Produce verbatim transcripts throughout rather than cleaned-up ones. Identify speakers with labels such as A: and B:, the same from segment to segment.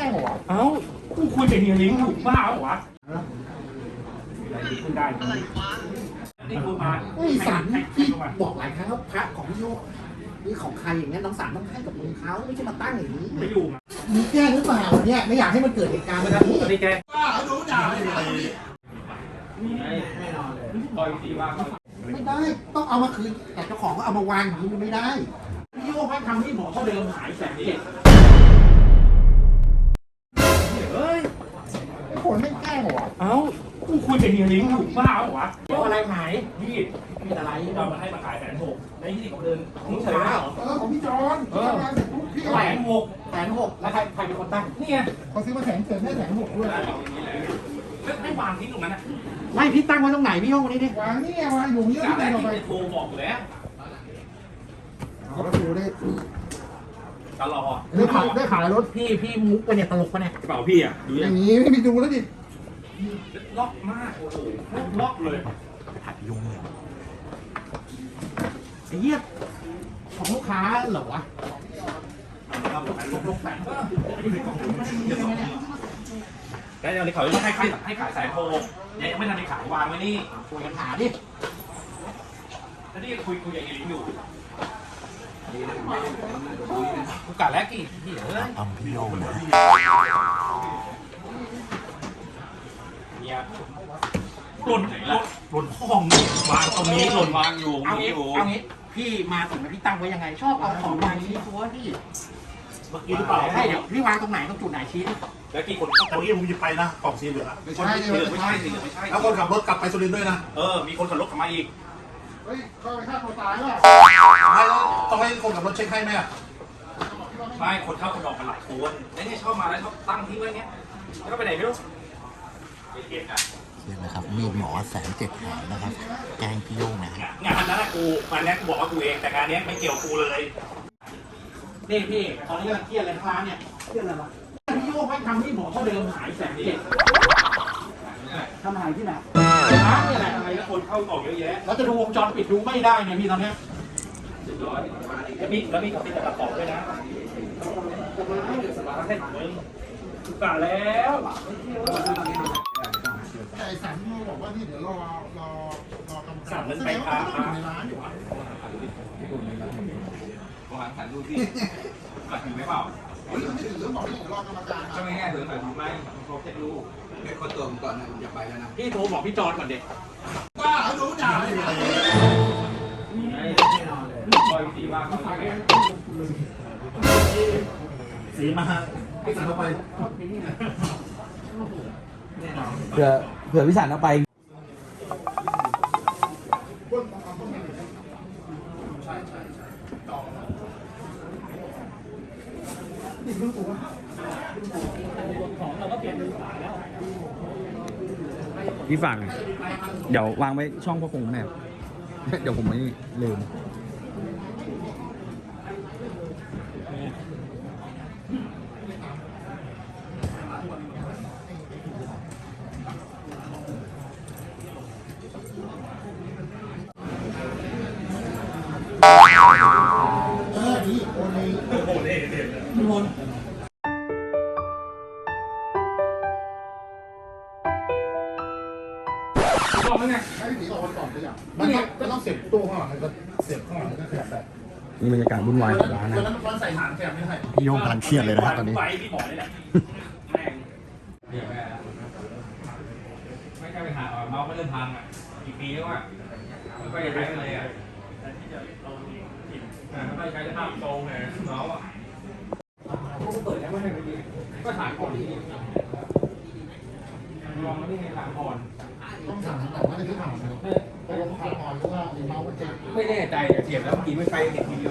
A: งเหรอ
B: เอ้ากูคุยกับเฮียลิงอยู่บ้าเหรอวะอะไรดีขึ้นได้อะไรวะนี่กูมา
A: ไอ้สันพี่บอกหลายครั้งว่าพระของพี่โยกนี่ของใครอย่างเงี้ยน้องสันต้องให้กับมือเขาไม่ใช่มาตั้งอย่างนี้
B: ไม่อยู่
A: มึงแกล้งหรือเปล่าเนี่ยไม่อยากให้มันเกิดเหตุการณ์แบบนี้
B: ไม่แก
A: บ้าดูด่าไม่ได้
B: ปล่อยสีว่า
A: ไม่ได้ต้องเอามาคืนแต่เจ้าของก็เอามาวางอย่างนี้มันไม่ได้พี่โยกให้ทำให้หมอเขาเดิมหายแสนเจ็ด
B: เฮ้ย
A: ไอ้คนไม่แกล้งเหรอ
B: เอ้ากูคุยกับเฮียลิงอยู่บ้าเหรอวะ
A: เอาอะไรหาย
B: พี่
A: มีอะไร
B: เรามาให้มาขายแสนหกในที่นี่เขาเดินของเฉยเหรอ
A: เออของพี่จอน
B: เออแสนหก
A: แสนหกแล้วใครใครเป็นคนตั้ง
B: นี่ไง
A: เขาซื้อมาแสนเจ็ดให้แสนหกด้วย
B: ไม่วางทิ้งตรงนั้นนะ
A: ไม่พี่ตั้งไว้ตรงไหนพี่โยงนี้ดิวางนี่วางอยู่เยอะ
B: ที่ไหนเราไปโทรบอกแล้ว
A: เขาดูได้
B: ตลอด
A: ได้ขายได้ขายรถพี่พี่มุกไปเนี่ยตลกปะเนี่ย
B: กระเป๋าพี่อ่ะดู
A: อย่างนี้ไม่มีดูแล้วดิ
B: ล็อกมากโอ้โหล็อกเลย
A: ผัดยุงเลยไอ้เหี้ยของลูกค้าเหรอวะลงแสน
B: แล้วเดี๋ยวเขาจะให้ขายให้ขายสายโทรเนี่ยยังไม่ทันได้ขายวางไว้นี่
A: คุยกันหาดิ
B: แล้วนี่คุยคุยอย่างนี้อยู่กูกะแล้วกี่ที่เอ้ย
C: ทำพี่โยงนะ
B: เนี่ยหล่นหล่นหล่นห้องวางตรงนี้หล่นวางอยู่
A: เอางี้เอางี้พี่มาถึงพี่ตั้งไว้ยังไงชอบเอาของวางนี้ตัวพี่
B: เมื่อกี้หรือเปล่า
A: ให้เดี๋ยวพี่วางตรงไหนตรงจุดไหนชี้
B: แล้วกี่คน
C: ตรงนี้ผมจะไปนะกล่องสีเหลือง
B: ไม่ใช่ไม่ใช่ไม่ใช่
C: แล้วคนขับรถกลับไปสุรินทร์ด้วยนะ
B: เออมีคนขับรถกลับมาอีก
A: เฮ้ยเขาไปฆ่าตัวตายแล้ว
C: ไม่แล้วต้องให้คนขับรถเช็คให้ไหมอ่ะ
B: ไม่คนเข้าคนออกกันหลายคนแล้วเนี่ยชอบมาแล้วชอบตั้งทิ้งไว้เนี้ยแล้วก็ไปไหนไม่รู้เก็บอ่ะ
C: นี่นะครับมีหมอแสนเจ็ดหายนะครับแกงพี่โยงนะ
B: งานนั้นกูงานนี้กูบอกว่ากูเองแต่งานนี้ไม่เกี่ยวกูเลย
A: นี่พี่ตอนนี้กำลังเครียดเลยทั้งร้านเนี่ยเครียดอะไรวะพี่โยกให้ทำให้หมอเขาเดิมหายแสนเจ็ดทำหายที่ไหนร้านเนี่ยแหละ
B: อะไรแล้วคนเข้าออกเยอะแยะ
A: แล้วจะดูวงจรปิดดูไม่ได้เนี่ยพี่ตอนนี้
B: แล้วมีแล้วมีกับติดกระป๋องด้วยนะให้มึงกะแล้ว
A: ไอ้สันบอกว่านี่เดี๋ยวรอรอรอกรรมการ
B: สันมันไปพา
A: มาในร้านอยู่
B: วางถ่ายรูปที่มาถึงไหมเปล่า
A: เฮ้ยไม่ถึงเรื่องบอกที่รอกรรมการ
B: ก็ไม่แง่ถึงหน่อยไม่ครบเช็ครูป
D: เด็กคนตัวผมก่อนนะอย่าไปแล้วนะ
A: พี่โทรบอกพี่จอนก่อนเด็ก
C: บ้าดูด่าไม่ได้
B: ปล่อยสีมา
C: สีมาพี่สันเอาไป
D: เผื่อเผื่อพิสารเอาไปพี่ฝั่งเดี๋ยววางไว้ช่องพ่อคงแม่เดี๋ยวผมไม่ลืม
A: เออดีโอเล่
B: โอเล่เด็ดเลย
A: ทุกคน
B: บอกแล้วไง
A: ให้พี่ตีออกมาก่อนไปอย่างมันก็ต้องเสียบตู้ข้างหลังก็เสียบข้างหลังก็ขยับแบบ
D: นี่บรรยากาศวุ่นวายของร้านนะ
A: ตอนนั้นใส่ฐานแกไม่ได้
C: พี่โยงกำลังเครียดเลยนะครับตอนนี้
B: ไปพี่หมอนี่แหละแม่งเดี๋ยวแม่ไม่ใช่ไปหาเมาไม่เริ่มพังอ่ะกี่ปีแล้วอ่ะไม่ค่อยจะใช้เลยอ่ะไม่ใช้จะทำตรงเลยเมาอ่ะก็เปิดแล้วไม่ให้ไปดีก็ถามก่อนที่ลองไม่ได้ไงถามก่อน
A: ต้องถามแต่ว่าในที่ถามไปลงถามก่อนหรือว่าเมาเจ็บ
B: ไม่แน่ใจเสียบแล้วเมื่อกี้ไม่ไปเด็กทีเดียว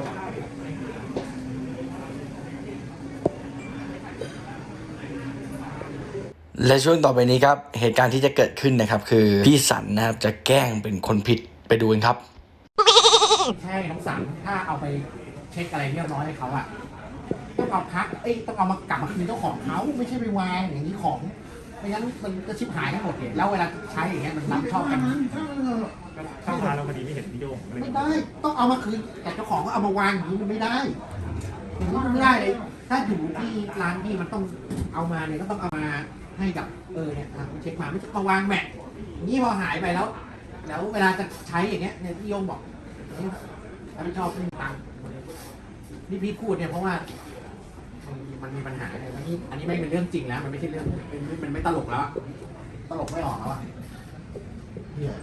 D: และช่วงต่อไปนี้ครับเหตุการณ์ที่จะเกิดขึ้นนะครับคือพี่สันนะครับจะแกล้งเป็นคนผิดไปดูกันครับ
A: ใช่น้องสันถ้าเอาไปเช็คอะไรเรียบร้อยให้เขาอะต้องเอาพักเอ้ต้องเอามากลับมาคืนเจ้าของเขาไม่ใช่ไปวางอย่างนี้ของไม่งั้นมันจะชิบหายทั้งหมดเลยแล้วเวลาใช้อย่างเงี้ยมันรับชอบกัน
B: เข้ามาเราพอดีไม่เห็นพี่โยง
A: ไม่ได้ต้องเอามาคืนแต่เจ้าของก็เอามาวางอย่างนี้มันไม่ได้อย่างนี้มันไม่ได้เลยถ้าอยู่ที่ร้านพี่มันต้องเอามาเนี่ยก็ต้องเอามาให้กับเออเนี่ยเช็คมาไม่ใช่มาวางแมทนี่พอหายไปแล้ว แล้วเวลาจะใช้อย่างเงี้ยเนี่ยพี่โยงบอกถ้าไม่ชอบไม่มีตังค์นี่พี่พูดเนี่ยเพราะว่ามันมีปัญหาเนี่ยอันนี้อันนี้ไม่เป็นเรื่องจริงแล้วมันไม่ใช่เรื่องเป็นมันไม่ตลกแล้วตลกไม่ออกแล้วอ่ะเนี่ย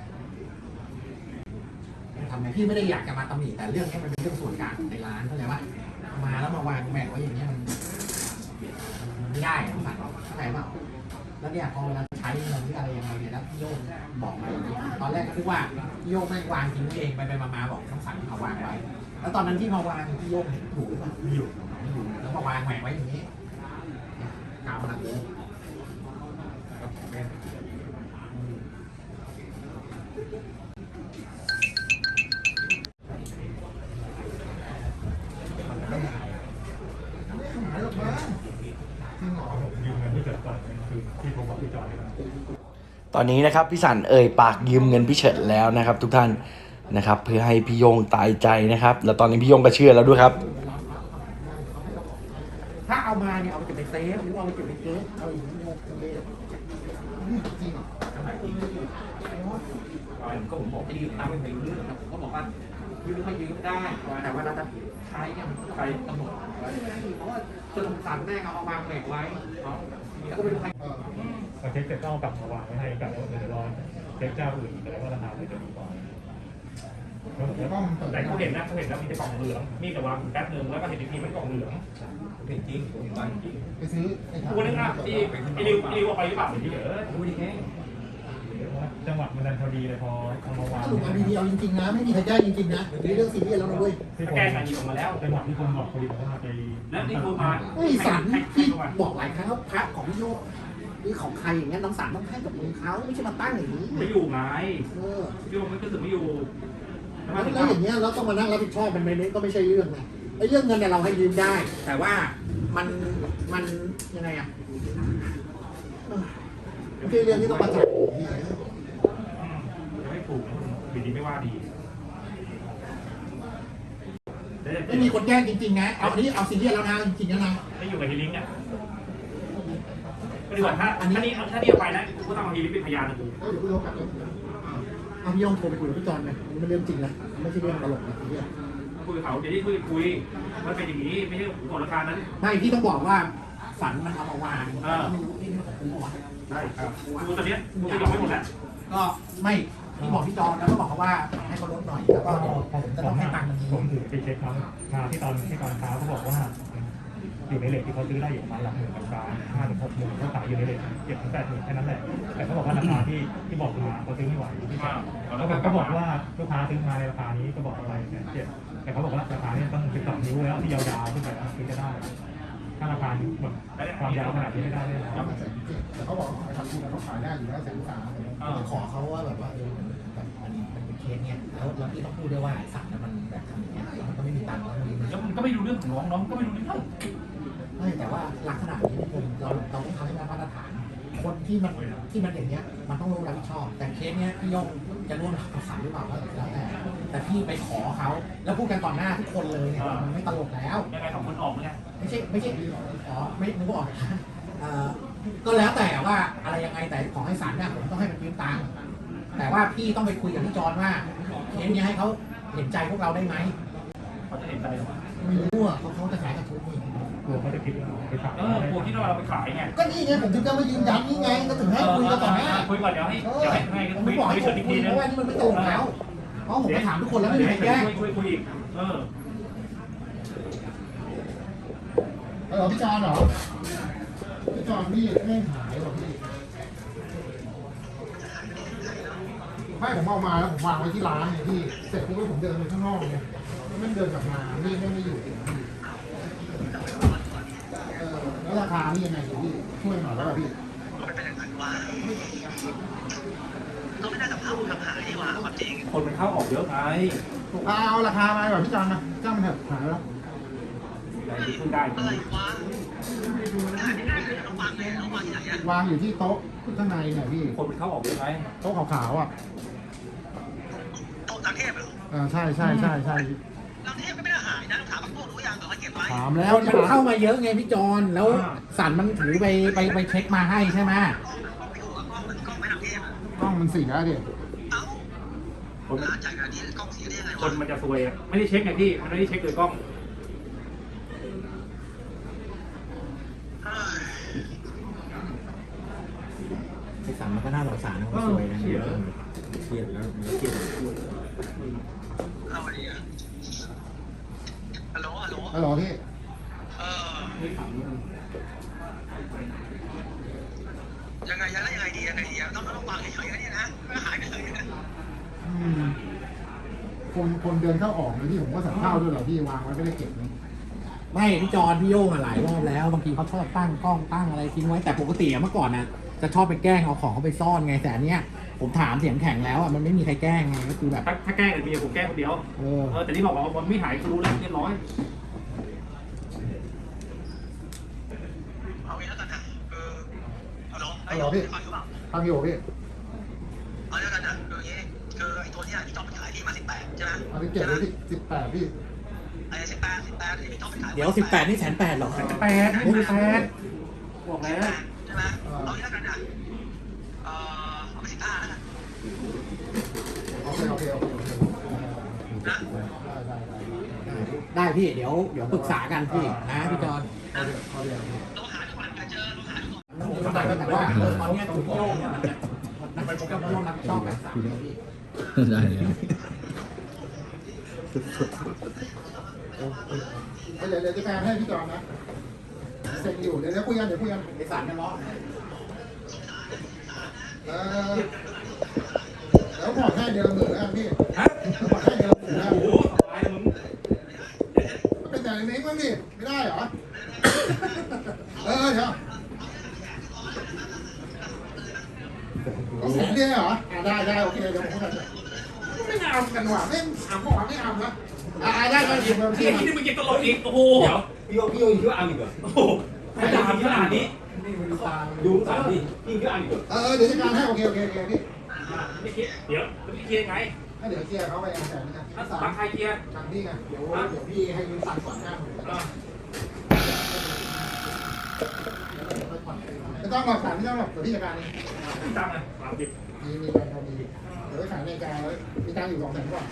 A: ทำไงพี่ไม่ได้อยากจะมาตำหนิแต่เรื่องนี้มันเป็นเรื่องส่วนกลางในร้านเข้าใจป่ะมาแล้วมาวางแมทไว้อย่างเงี้ยมันมันไม่ได้ต้องสั่งเข้าใจป่ะแล้วเนี่ยพอเวลาใช้เงินหรืออะไรยังไงเนี่ยแล้วพี่โยงบอกมาอย่างนี้ตอนแรกคิดว่าพี่โยงไม่วางทิ้งเองไปไปมาๆบอกต้องสั่งเอาวางไว้แล้วตอนนั้นที่มาวางพี่โยงเห็นถูกหรือเปล่าไม่อยู่ไม่อยู่แล้วมาวางแหวกไว้อย่างนี้กาวมันอะไร
D: ตอนนี้นะครับพี่สันเอ่ยปากยืมเงินพี่เฉิดแล้วนะครับ ทุกท่านนะครับเพื่อให้พี่โยงตายใจนะครับ แล้วตอนนี้พี่โยงก็เชื่อแล้วด้วยครับ
A: ถ้าเอามาเนี่ยเอาไปเก็บในเซฟหรือเอาไปเก็บในเก๊เอาอย่างนี้โยกเลยจริงก็ผมบอกจะยืมตังค์ไม่รู้เรื่องผมก็บอกว่ายืมไม่ยืมได้แต่ว่าเราจะใช้เนี่ยมันใครกำหนดเพราะว่าสนุกสันแม่เอาวางแบกไว้แล้วก็ไม่รู้ใคร
E: พอเช็คเสร็จก็เอากลับมาวางไว้ให้กับเดี๋ยวรอเช็คเจ้าอื่นแต่ว่าราคาไม่จะดีกว่าแต่เขาเห็นนะเขาเห็นแล้วมีแต่กล่องเหลืองมีแต่วางแป๊บนึงแล้วก็เห็นอีกทีมันกล่องเหลือง
B: จริงจริงผมไปจริง
F: ไปซื้อ
E: กูนึกว่าที่ไอ้ริวไอ้ริวเอาไปหรือเปล่าที่เดี๋ยว
B: ดูดิแค่
E: จังหวะมันดันพอดีเลยพอเอามาวาง
F: สรุปเอาดีๆเอาจริงๆนะไม่มีใครแก้จริงๆนะนี่เรื่องซีเรียสแล้วนะเว้ย
E: แก้การยิงออกมาแล้วจังหวะที่คนบอกพอดีผมก็มาไป
B: แล้วนี่คุณมา
A: ไอ้สันที่บอกหลายครั้งว่าพระของพี่โยกหรือของใครอย่างเงี้ยน้องสันต้องให้กับมือเขาไม่ใช่มาตั้งอย่างนี้
E: ไม่อยู่ไง
A: เออ
E: พี่ผมไม่รู้สึกไม่อยู่
A: แล้วอย่างเงี้ยเราต้องมานั่งรับผิดชอบมันไม่ก็ไม่ใช่เรื่องนะไอ้เรื่องเงินเนี่ยเราให้ยืมได้ แต่ว่ามันมันยังไงอ่ะมันคือเรื่องที่ต้องมาจัด
E: จะไม่ถูกบิดดีไม่ว่าดี
A: ไม่มีคนแจ้งจริงๆนะเอาอันนี้เอาซีเรียสแล้วนะจริงๆแล้วนะ
E: ไม่อยู่กับฮีลิงเนี่ยก็ดีกว่าถ้าอันนี้ถ้าเดียวไปนะกูก็ต้องเอาฮีลิงเป็นพยานนะกู
F: เดี๋ยวพี่โยกกลับเอาพี่โยงโทรไปคุยกับพี่จอนเลยนี่เป็นเรื่องจริงนะไม่ใช่เรื่องตลกนะซีเรียส
E: คุยกับเขาเดี๋ยวที่คุยคุยมันเป็นอย่างนี้ไม่ใช่กฎราคานั้น
A: ไม่พี่ต้องบอกว่าฝันมันเอามาวางไม่รู้ที่นี่ของกูบอก
E: ใช่ครับกูตอนนี้กูจะยอมไม่หมดแล้ว
A: ก็ไม่พี่บอกพี่จอนแล้วก็บอกเขาว่าให้เขาลดหน่อยแล้วก็เดี๋ยวจะต้องให้ตังค์มัน
E: ผมถือไปเช็คเขามาที่ตอนที่ตอนเช้าเขาบอกว่าอยู่ในเลทที่เขาซื้อได้อยู่ประมาณหลักหมื่นกับกลางห้าถึงหกหมื่นเขาขายอยู่ในเลทเจ็ดถึงแปดหมื่นแค่นั้นแหละแต่เขาบอกว่าราคาที่ที่บอกมาเขาซื้อไม่ไหวที่เขาก็บอกว่าลูกค้าซื้อมาในราคานี้ก็บอกอะไรแสนเจ็ดแต่เขาบอกว่าราคานี้ต้องสิบสองนิ้วแล้วที่ยาวๆขึ้นไปถึงจะได้ถ้าราคาแบบความยาวขนาดนี้ไม่ได้เลยนะ
F: แต่เขาบอกทำคุณเขาขายได้อยู่แล้วแสนสามขอเขาว่าแบบว่าเออแบบอันนี้มันเป็นเคสเนี่ยแล้วแล้วพี่ต้องพูดด้วยว่าสั่งแล้วมันแบบทำอย่างเงี้ยมันก็ไม่มีตังค์แล้วมัน
B: แล้วมันก็ไม่รู้เรื่องของน้องน้องก็ไม่รู้เรื่อง
A: ไม่แต่ว่าลักษณะนี้ผมเราเราต้องทำให้มันมาตรฐาน คนที่มันที่มันอย่างเงี้ยมันต้องรู้รับผิดชอบ แต่เคสเนี้ยพี่โยงจะร่วมกับสารหรือเปล่าก็แล้วแต่แต่พี่ไปขอเขาแล้วพูดกันต่อหน้าทุกคนเลยเนี่ยมันไม่ตลกแล้ว
E: ยังไงสองคนออกเนี่ย
A: ไม่ใช่ไม่ใช่อ๋อไม่นึกว่าออกเอ่อก็แล้วแต่ว่าอะไรยังไงแต่ขอให้ศาลเนี่ยผมต้องให้มันยืมตังค์แต่ว่าพี่ต้องไปคุยกับพี่จอนว่าเคสเนี้ยให้เขาเห็นใจพวกเราได้ไหม
E: เขาจะเห็นใจหรอ
A: ไม่รู้อ่ะเขาเขาจะขายกระทุนนี่
E: กลัวเขาจะคิดว่าไปขาย
B: เออกลัวที่เราไปขายไง
A: ก็นี่ไงผมถึงจะมายืนยันนี่ไงก็ถึงให้คุยกันต่อหน้า
E: คุยก่อนเดี๋ยวให้เดี๋ยวให้ให้
A: ผม
E: คุ
A: ไม่
E: ย
A: บอกให้
E: คุย
A: ผ
E: เฉ
A: ม
E: ยอีก
A: คุ
E: ที
A: ย
E: นึ
A: เพ
E: ง
A: ราะว่านี่มันไม่ตรงแล้วเพราะผมไปถามทุกคนแล้วไม่มีใครแก้
E: ช่วยช่วยคุยอีกเออ
F: เออพี่จอนเหรอพี่จอนพี่ไม่หายหรอพี่ไม่ผมเอามาแล้วผมวางไว้ที่ร้านเนี่ยพี่เสร็จปุ๊บผมเดินไปข้างนอกเนี่ยแล้วมันเดินกลับมานี่ไม่ไม่อยู่พี่เออแล้วราคานี่ยังไงพี่ช่วยหน่อยได้ป่ะพี่
G: มันเป็นอย่างนั้นว่าเราไม่น่าจะพาผู้ทำหายดีกว่าความจริง
E: คนมันเข้าออกเยอะไง
F: เอาเอาราคามาก่อนพี่จอนนะจ้างมันเถอะหายแล้ว
E: ขึ้นได้
G: อะไรวะหายไม่ได้เลยต้องวางเลยต้องวางที่ไหนอะ
F: วางอยู่ที่โต๊ะข้างในเนี่ยพี่
E: คนมันเข้าออกเยอะไง
F: โต๊ะขาวๆอ่ะ
G: โต๊ะต่างเทพเหรอ
F: เออใช่ใช่ใช่ใช่
G: ต่างเทพก็ไม่ได้หายนะต้องถามพวกรู้ยังแต่ว่าเก็บไว้
A: ถามแล้วมันเข้ามาเยอะไงพี่จอนแล้วสันมันถือไปไปไปเช็คมาให้ใช่ไหม
G: กล้องไม่ทำเทพ
F: กล้องมันเสียดิ
G: เอ้าร้านจ่ายงานที่กล้องเสียได้ยังไง
E: คนมันจะซวยอะไม่ได้เช็คไงพี่มันไม่ได้เช็คโดยกล้อง
A: ไอสันมันก็น่าสงสารนะมันสวยนะเครียดแล้วมันเครียด
G: เอาดีอ่ะฮัลโหลฮัลโหล
F: ฮัลโหลพี่
G: เออยังไงยังไงยังไงดียังไงดีต้องต้องวางเฉยๆนี่นะไม่หายไปเลยนะ
F: อืมคนคนเดินเข้าออกเลยพี่ผมก็สั่งข้าวด้วยเหรอพี่วางไว้ไม่ได้เก็บนี่
A: ไม่พี่จอนพี่โย่งอะหลายรอบแล้วบางทีเขาชอบตั้งกล้องตั้งอะไรทิ้งไว้แต่ปกติอะเมื่อก่อนนะจะชอบไปแกล้งเอาของเขาไปซ่อนไงแต่อันเนี้ยผมถามเสียงแข็งแล้วอะมันไม่มีใครแกล้งไงก็คือแบบ
E: ถ้าถ้าแกล้งเนี่ยมีผมแกล้งคนเดียว
A: เออ
E: เออแต่นี่บอกว่ามันไม่หายก็รู้แล้วเรียบร้อย
G: เอางี้แล้วกันนะเออฮัลโหล
F: ฮัลโหลพี่
G: ฟังอยู่เปล่า
F: ทางอยู่พี่
G: เอาแล้วกันนะคืออย่างงี้คือไอ้ตัวเนี้ยที่ต้องไปขายที่มาสิบแปดใช่ไหม
F: เอาไปเก็บไว้ที่สิบแปดพี่
G: ไอ้สิบแปดสิบแปดที่พี่ต้องไปขาย
A: เดี๋ยวสิบแปดนี่แสนแปดหรอ
E: แปดไม่มีแปดบอกแล้ว
G: ใช่ไหมเอางี้แล้วกันนะเออเอาไปสิบห้าแล้วกัน
F: โอเคโอเคโอเคโอเค
G: นะ
F: ได้ได้ได้
A: ได้พี่เดี๋ยวเดี๋ยวปรึกษากันพี่นะพี่จอน
F: เอาเดี๋ยวเอาเดี๋ยว
G: เราหาทุกวันกันเจอเราหาทุกวัน
A: แต่ว่าเออตอนเนี้ยถูกโย่งเนี่ยมันจะมันก็ร่วมรับผิดชอบแบบสามเลยพี่
C: ได้เลย
F: เดี๋ยวเดี๋ยวจะแปลให้พี่จอนนะเซ็งอยู่เดี๋ยวเดี๋ยวคุยกันเดี๋ยวคุยกัน
A: ไอสันเนี่ยร้อน
F: เออแล้วผ่อนให้เดือนละหมื่นแล้วกันพี่
E: ฮะ
F: แล้วผ่อนให้เดือนละหมื่นแล้ว
E: โอ้โหตายมึง
F: มันเป็นแต่ในนี้มั้งดิไม่ได้เหรอเออเดี๋ยวเอาแสนเดียวเหรออ่าได้ได้โอเคเดี๋ยวผมพูดกันไม่เอากันว่ะไม่เอาบอกว่าไม่เอานะอ่าได้ก็หยิบมา
E: เฮี
F: พี่
E: ยที่นี่มึงยังตลกอีกโอ้โห
B: เดี๋ยวพี่โยพี่โยคิดว่าอังอีกเหรอ
E: โอ้โหไม่ด่าขนาดนี้
B: ดูสารดิพี่คิดว่าอังอีกเหรอ
F: เออเดี๋ยวจัดการให้โอเคโอเคโอเคพี่
E: ไม่คิดเดี๋ยวไม่คิดยังไง
F: ให้เดี๋ยวเคลียร์เขาไปแสนนึงนะ
E: ถ้าตังใครเกียร์
F: ทางพี่ไงเดี๋ยวเดี๋ยวพี่ให้ยืมตังค์ก่อนห้าหมื่นไม่ต้องหรอกสารไม่ต้องหรอกเดี๋ยวพี่จัดการเอง
E: ตังค์อ่ะสามสิบ
F: มีมีการพอมีเดี๋ยวไปขายในการแล้วมีตังค์อยู่สองแสนกว่า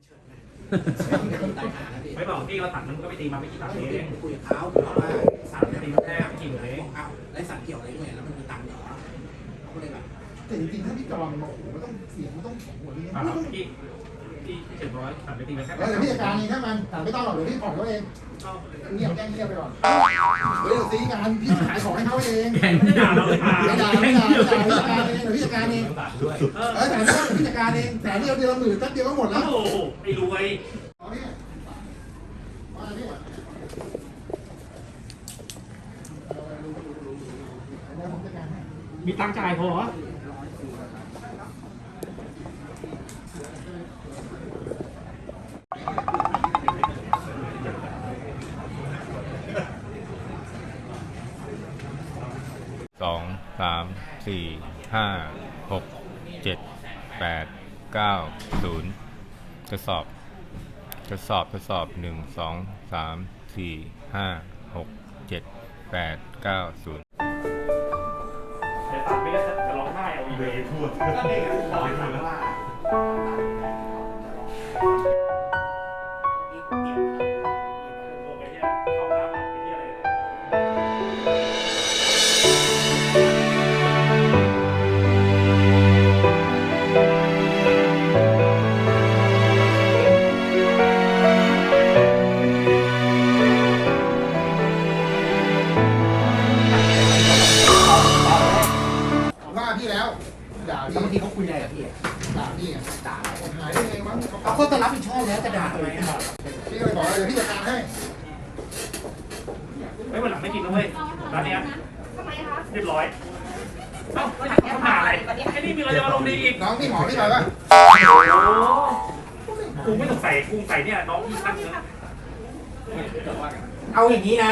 E: ไม่บอกพี่เราตัดมันก็ไม่ตีมาไม่กี่ตังค์เอง
A: คุยกับเขาบอกว่าสันเนี่ย
E: ตี
A: ตี
E: มา
A: มา
E: แค่
A: แค่
E: ไม่กี่หมื่นเอง
A: บอกเอ้าไรสันเกี่ยวอะไรด้วยแล้วมันมีตังค์เหรอเขาก็เลยแบบ
F: แต่จริงๆถ้าพี่จอนบอกโอ้โหมันต้องเสียงมันต้องแข็งกว่านี้
E: อ่า
F: นะ
E: พี่พี่เจ็ดร้อยตัดไปตีมาแค่
F: เดี๋ยวพี่จัดการเองถ้ามันแต่ไม่ต้องหรอกเดี๋ยวพี่ผ่อนเขาเองเงียบแจ้งเงียบไปก่อนเดี๋ยวซีกันพี่ขายของให้เขาเอง
E: ไม่ได้ด่าเราเลยอ่ะ
F: ไม่ด่าไม่ด่าไม่ด่าพี่จัดการเองเดี๋ยวพี่จัดการเอง
B: ด้วย
E: เออ
F: เออแต่ไม่ต้องพี่จัดการเองแต่เดียวเดียวละหมื่นแป๊บเดียวก็หมดแล้ว
E: โอ้โหไอ้รวย
F: เอาพี่ว่าพี่เดี๋ยวผมจัดการให้
E: มีตังค์จ่ายพอเหรอ
H: สองสามสี่ห้าหกเจ็ดแปดเก้าศูนย์ทดสอบทดสอบทดสอบหนึ่งสองสามสี่ห้าหกเจ็ดแปดเก้าศูนย์
E: แต่ตัดไม่ได้จะร้องไห้เอาอีเวนต์พูดก็เด็กร้องไห้ว่าโอเคเนี่ยเข้าน้ำไอ้เหี้ยอะไร
F: ว่าพี่แล้วด่า
A: แล้วบางที
F: พี่
A: เขาคุยอะไรกับพี่อะ
F: ด่าพี่ไง
A: ด่าเรา
F: หายได้ไงวะ
A: เอาเขาจะรับผิดชอบแล้วจะด่าทำไมอะ
F: พี่ก็เลยบอกว่าเดี๋ยวพี่จัดการให้
E: ไม่วันหลังไม่กินแล้วเว้ยร้านเนี้ย
I: ทำไมคะ
E: เรียบร้อย เอ้าไม่ทำหาอะไรไอ้นี่มีอะไรจะมาลงดีอีก
F: น้องพี่หมอพี่ไปปะ
E: โอ้กูไม่ต้องใส่กุ้งใส่เนี่ยน้องพี่ตั้งเนอะ
A: เอาอย่างนี้นะ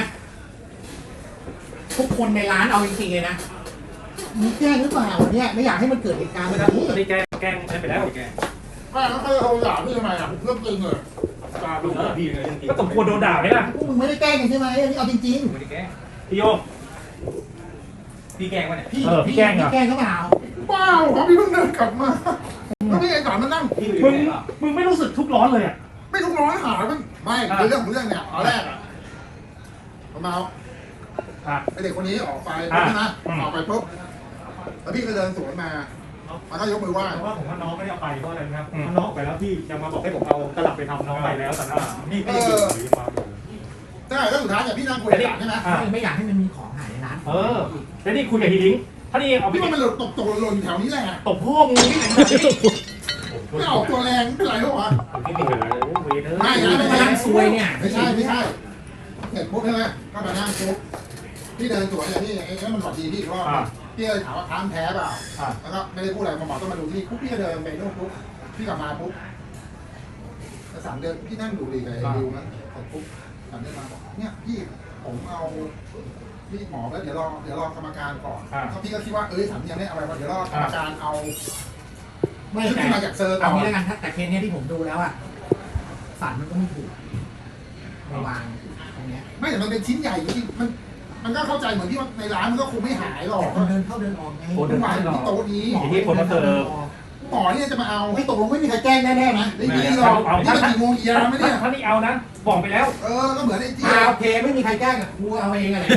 A: ทุกคนในร้านเอาจริงๆเลยนะมีแกล้งหรือเปล่าเนี่ยไม่อยากให้มันเกิดเหตุการณ์แบบนี้
E: ตอนนี้แกงแกงไปแล้ว
F: แม่แล้วเขาจะโทรด่าพี่ทำไมอ่ะเรื่องจริงเลย
A: เ
E: ก็สมควรโดนด่าไหมล่ะ
F: พวกมึงไม่ได้แกล้งกันใช่ไหมอันนี้เอาจริง
B: ไม่ได้แกล้ง
E: พี่โย
B: พี่แกล้งวะเนี่ย
F: ๆพี่
E: เออพี่แกล้งเหรอ
F: พี่แกล้งเขาเปล่า
A: เปล่าเขาพี่เพิ่งเดินกลับมาแล้วพี่ไอ้สอนมันนั่ง
E: มึงมึงไม่รู้สึกทุกข์ร้อนเลยอ่ะ
A: ไม่ทุกร้อนหามันไม่คือเรื่องของเรื่องเนี่ยตอนแรกอะผมเอา
E: อ่ะ
A: ไอเด็กคนนี้ออกไป
E: อ่ะ
A: ใช่ไหม
E: อืม
A: ออกไปปุ๊บแล้วพี่ก็เดินสวนมามันก็ยกมือไหว้
E: เพราะว่าผมว่าน้องไม่ได้เอาไปเพราะอะไรนะครับเพราะน้องออกไปแล้วพี่ยังมาบอกให้ผมเอาตลับไปทำน้องไปแล้วแต่นี่พี่ยังอยู่หรือยังมาอยู่
A: ใช่แล้วสุดท้ายเนี่ยพี่นั่งคุยกับหลานใช่ไหม
E: อ่ะ
F: ไม่อยากให้มันมีของหายในร้าน
E: เออแล้วนี่คุยกับฮีลิงถ้านี่เอาไป
A: พี่ว่ามันหล่นตกตกหล่นแถวนี้แหละ
E: ตบพ่อมึงนี่ไหน
A: ไม่ออกตัวแรงไม่เป็นไรหรอกวะ
E: พี่ไม่เห็นเวเนอร์
A: ไม่นะไม่
F: กำ
A: ใช่
F: ลังซวยเนี่ย
A: ไม่ใช่ไม่ใช่เสร็จปุ๊บใช่ไหมก็มานั่งปุ๊บพี่เดินสวนอย่างนี้ไอ้นั่นมันสวัสดีพี่อีกรอบพี่เลยถามว่าค้างแพ้เปล่าแล้วก็ไม่ได้พูดอะไรหมอต้องมาดูที่ปุ๊บพี่ก็เดินไปนู่นปุ๊บพี่กลับมาปุ๊บสามเดือนพี่นั่งดูดีกับไอ้ดิวนะเสร็จปุ๊บสามเดือนมาบอกเนี่ยพี่ผมเอาพี่หมอแล้วเดี๋ยวรอเดี๋ยวรอกรรมการก่อนเขาพี่ก็คิดว่าเอ้ยสามยังไม่เอาไปเดี๋ยวรอกรรมการเอา
F: ไม่
A: ซึ่ง
F: แต่
A: ที่มาจากเซอร์ก่
F: เอา
A: อน
F: งี้แล้วกันถ้าแต่เคสเนี้ยที่ผมดูแล้วอ่ะสันมันก็ไม่ถูกมาวางตรงเนี้ย
A: ไม่แต่มันเป็นชิ้นใหญ่จริงๆมันมันก็เข้าใจเหมือนที่ว่าในร้านมันก็คงไม่หายหรอก
F: แต่คนเดินเข้าเดินออกไง
A: มันวางอยู่ที่โต๊ะนี้
E: ทีนี้คนมาเสิร์ฟ
A: หมอเนี่ยจะมาเอา
F: ไม่ตกลงไม่มีใครแจ้งแน่ๆนะ
A: ไม่มีหรอกนี่มันกี่โมงกี่ยามไม่เนี่ย
E: ถ้านี่เอานะบอกไปแล้ว
A: เออก็เหมือนไอ้จี
F: อ่าโอเคไม่มีใครแจ้งอ่ะกูเอาเองอะไร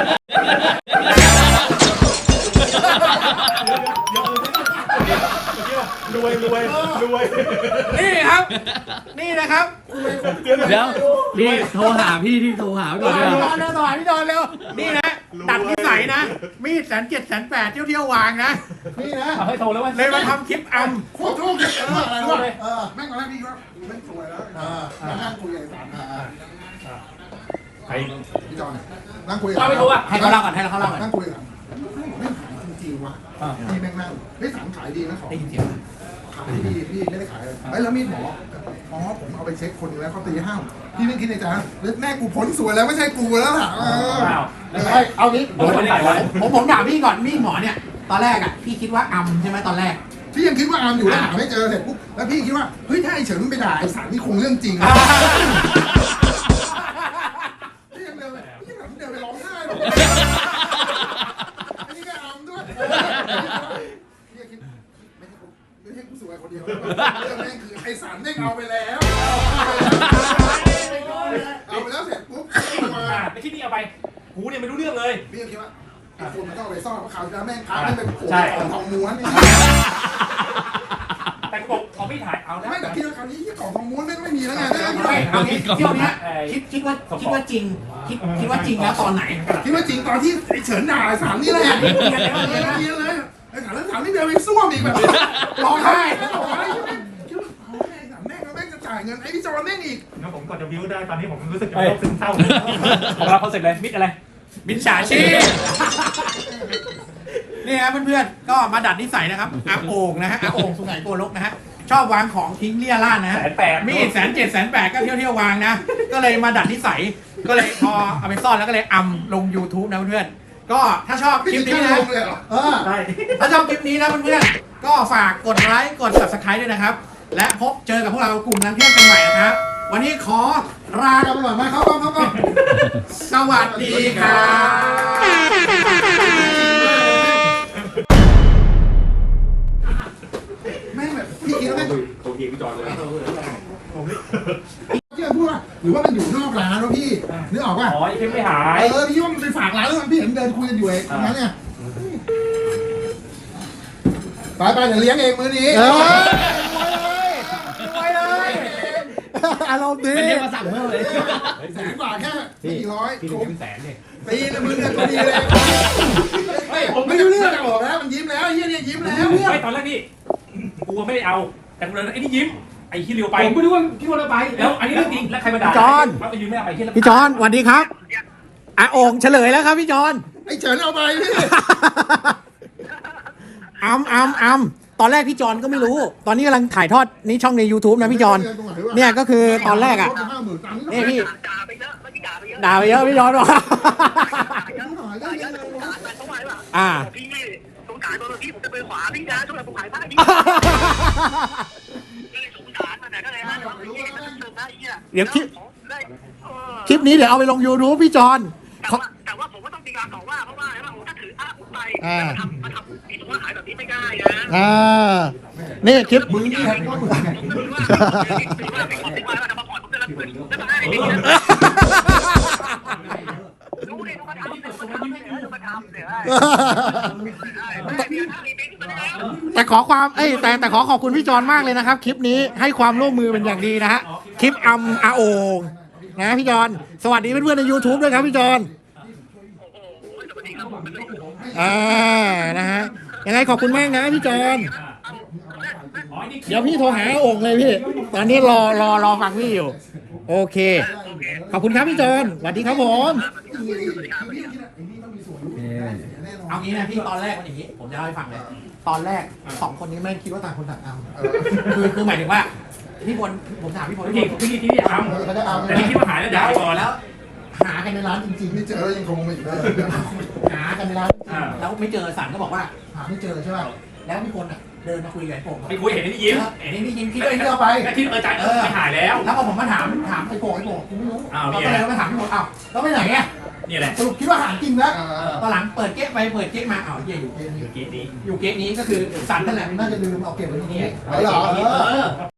E: รวยรวยรวย
F: นี่ครับ นี่นะครับ
D: เดี๋ยวนี่โทรหาพี่ที่โทรหาก่อน
F: พี่
D: เลย
F: ดอนเร็วต่อพี่ดอนเร็วนี่นะตัดนิสัยนะ มีดแสนเจ็ดแสนแปดเที่ยวเที่ยววางนะนี่นะ
E: เอาให้โทรแล้วว่า
F: เลยมาทำคลิปอัม
A: โคตรโชคดีเอออะไรวะเออแม่งตอนแรกพี่ว่ากูแม่งสวยแล้วเออนั่งคุยกับไอ้สาม
E: ใคร
A: พี่จอนนั่งคุย
E: เอาไปโทรอ่ะ
F: ให้เขาเล่าก่อนให้เขาเล่าก่อน
A: นั่งคุยกับแม่งขายจริงๆวะพี่แม่งนั่งเฮ้ยสามขายดีนะของ
F: ได้ยินเสียงไหม
A: ขายดีพี่ไม่ได้ขายเลยเฮ้ยแล้วมีดหมออ๋อผมเอาไปเช็คคนหนึงแล้วเขาตีห้ามพี่ไม่คิดในใจนะแล้วแม่กูพ้นสวยแล้วไม่ใช่กูแล้วล่ะเออ
E: อ้าว
F: เฮ้ยเอางี้
E: โดนคนไหนวะ
F: ผมผมถามพี่ก่อนมีดหมอเนี่ยตอนแรกอ่ะพี่คิดว่าอัมใช่ไหมตอนแรก
A: พี่ยังคิดว่าอาร์มอยู่แล้วหาไม่เจอเสร็จปุ๊บแล้วพี่คิดว่าเฮ้ยถ้าไอ้เฉินมันไปด่าไอ้สารนี่คงเรื่องจริงนะพี่ยังเดินไปพี่แบบเดินไปร้องไห้หรอกอันนี้ก็อาร์มด้วยพี่ยังคิดไม่ใช่กูไม่ใช่กูสวยคนเดียวเรื่องแม่งคือไอ้สารแม่งเอาไปแล้วเอาไปแล้วเสร็จปุ๊บมา
E: ไม่คิดนี่เอาไปกูเนี่ยไม่รู้เรื่องเลย
A: พี่ยังคิดว่าไอ้คนมันต้องเอาไปซ่อนเพราะคราวที่แล้วแม่งพาแม่งเป็นโผล่ของทองม้วน
E: แต่กูบอกเอาไม่ถ่ายเอานะ
A: ไม่แต่พี่ว่าคราวนี้ที่ของทองม้วนแม่งไม่มีแล้วไง
F: ไม่เอางี้เที่ยวเนี้ยคิดคิดว่าคิดว่าจริงคิดคิดว่าจริงแล้วตอนไหน
A: คิดว่าจริงตอนที่ไอ้เฉินด่าไอ้สามนี่แหละเนียนเลยเนียนเลยไอ้สามแล้วสามนี่เดินไปซ่วมอีกแบบร้องไห้ร้องไห้คิดว่าเอาไอ้สามแม่งแม่งจะจ่ายเงินไอ้พี่จอนแม่งอีก
E: งั้นผมก่อนจะวิวได้ตอนนี้ผมรู้สึกจะโรคซึมเศร้าของเราเขาเสร็จเลยมิดอะไร
F: มิจฉาชีพนี่ครับเพื่อนๆก็มาดัดนิสัยนะครับอาโอ่งนะฮะอาโอ่งสุไหงโกลกนะฮะชอบวางของทิ้งเลี่ยราดนะฮะ
E: แสนแปด
F: มีดแสนเจ็ดแสนแปดก็เที่ยวเที่ยววางนะ ก็เลยมาดัดนิสัย ก็เลยพอเอาไปซ่อนแล้วก็เลยอัมลง YouTube นะเพื่อนๆก็ถ้าชอบคลิปนี้นะเออ
E: ได้
F: ถ้าชอบคลิปนี้นะเพื่อนๆก็ฝากกดไลค์กด Subscribe ด้วยนะครับ และพบเจอกับพวกเรากลุ่มนักเที่ยวกันใหม่นะครับ วันนี้ขอลากันไปก่อนไหมครับครับครับสวัสดีครับ
A: แม่งแบบพี่คิดว่าแม่ง
E: โอเคพี่จอนเลย
A: พี่พูดว่าหรือว่ามันอยู่นอกร้านวะพี่นึกออกป่ะ
E: อ๋อยังไม่หาย
A: เออพี่ว่ามันไปฝากร้านแล้วมันพี่เห็นเดินคุยกันอยู่ไอ้ตรงนั้นเนี่ยไปไปเดี๋ยวเลี้ยงเองมื้อนี้
F: เออรวยเลยอารมณ์ดี
D: เป็นเรียกมาสั่งเพิ่มเลย
A: แสนกว่าแค่ไม่กี่ร้อย
E: พี่ถึงเป็นแสนเนี่ย
A: ตีนะมึงเนี่ยตัวดีเลยไม่ผมไม่รู้เรื่องจะบอกแล้วมันยิ้มแล้วเฮียเนี่ยยิ้มแล้ว
E: ไม่ตอนแรกนี่กูไม่ได้เอาแต่กูเลยไอ้นี่ยิ้มไอ้ที่เร็วไป
B: ผมก็นึกว่าพี่คนละไป
E: แล้วอันนี้เรื่องจริงแล้วใครมาด่า
F: จอน
E: มันไปยืนไม่เอาไปที่
F: พี่จอนสวัสดีครับอาโอ่งเฉลยแล้วครับพี่จอน
A: ไอ้เฉินเอาไปพี่
F: อัมอัมอัมตอนแรกพี่จอนก็ไม่รู้ ตอนนี้กำลังถ่ายทอดนี่ช่องใน YouTube นะพี่จอนเนี่ยก็คือตอนแรกอ่ะนี่พี่
G: ด่าไปเยอะเมื่อกี้ด่าไปเยอะ
F: ด่าไปเยอะพี่จอนบอก
G: ด่าเยอะด่าเยอะสงสารมันเขาไว้ว่า
F: อ่า
G: พี่สงสารตัวพี่ผมจะไปขวาพี่นะช่วยผมขายผ้าพี่ก็เลยสงสารมันนะก็เลยฮะพี่มันเติมได้เหี้ย
F: เดี๋ยวคลิป
G: ได้เออ
F: คลิปนี้เดี๋ยวเอาไปลง YouTube พี่จอน
G: แต่ว่าแต่ว่าผมว่าต้องมีการต่อว่าเพราะว่าเพราะว่าถ้าถืออ้างผมไปแล้วมาทำมาทำมีตัวขายแบบนี้ไม่ได้นะ
F: อ่า นี่คลิป
A: มึงนี่แหละก็มึง
G: ผมก็รู้ว่าถือว่าเป็นของที่ว่าจะมาผ่อนผมจะรับเงินแล้วมาให้ไม่ดีนะรู้เลยว่าทำเนี่ยมาทำเนี่ยมาทำเนี่ยได้เดี๋ยวถ้ามีเป็นขึ้นมาแล้ว
F: แต่ขอความเอ้ยแต่แต่ขอขอบคุณพี่จอนมากเลยนะครับ คลิปนี้ให้ความร่วมมือเป็นอย่างดีนะฮะ คลิปอัมอาโองนะพี่จอนสวัสดีเพื่อนๆใน YouTube ด้วยครับพี่จอนอ่านะฮะยังไงขอบคุณมากนะพี่จอนเดี๋ยวพี่โทรหาอาโองเลยพี่ ตอนนี้รอรอรอฟังพี่อยู่ โอเค ขอบคุณครับพี่จอนสวัสดีครับผม เอางี้นะพี่ตอนแรกมันอย่างนี้ ผมจะเล่าให้ฟังเลย ตอนแรกสองคนนี้แม่งคิดว่าต่างคนต่างเอาคือคือหมายถึงว่าพี่พลผมถามพี่พล
B: พี่
F: พี่
B: ที่
F: พล
B: ที่ที่ทำ
A: เขาจะเอา
B: แต่ที่คิดว่าหายแล้วด่าก่อนแล้ว
F: หากันในร้านจริงๆ
A: ไม่เจอแล้วยังคงไม่อยู่ได้
F: หากันในร้าน
B: อ่า
F: แล้วไม่เจอสันก็บอกว่าหาไม่เจอใช่ป่ะแล้วมีคนอ่ะเดินมาคุยกับไอ้โป่ง
B: พี่คุยเห็นนี่ยิ้ม
F: เห็นไอ้นี่ยิงพี่ก็ไอ้นี่เอาไป
B: แต่ที่เออจ่ายเออหายแล้ว
F: แล้วพอผมมาถามถามไอ้โป่งไอ้โป่งกูไม่รู้
B: อ้าว
F: เรา
B: เนี่
F: ก็
B: ย
F: เลยมาถามพี่โป่งอ้าวแล้วไปไหนอ่ะ
B: นี่แหละ
F: สรุปคิดว่าหาจริงแล้วตอนหลังเปิดเก๊ะไปเปิดเก๊ะมาอ้าวเหี้ยอยู่เก๊ะนี้
B: เกมนี้
F: อยู่เก๊ะนี้ก็คือสันนั่นแหละมันน่าจะลืมเอาเก็บไว้ที่นี่
A: เหรอ
B: เออ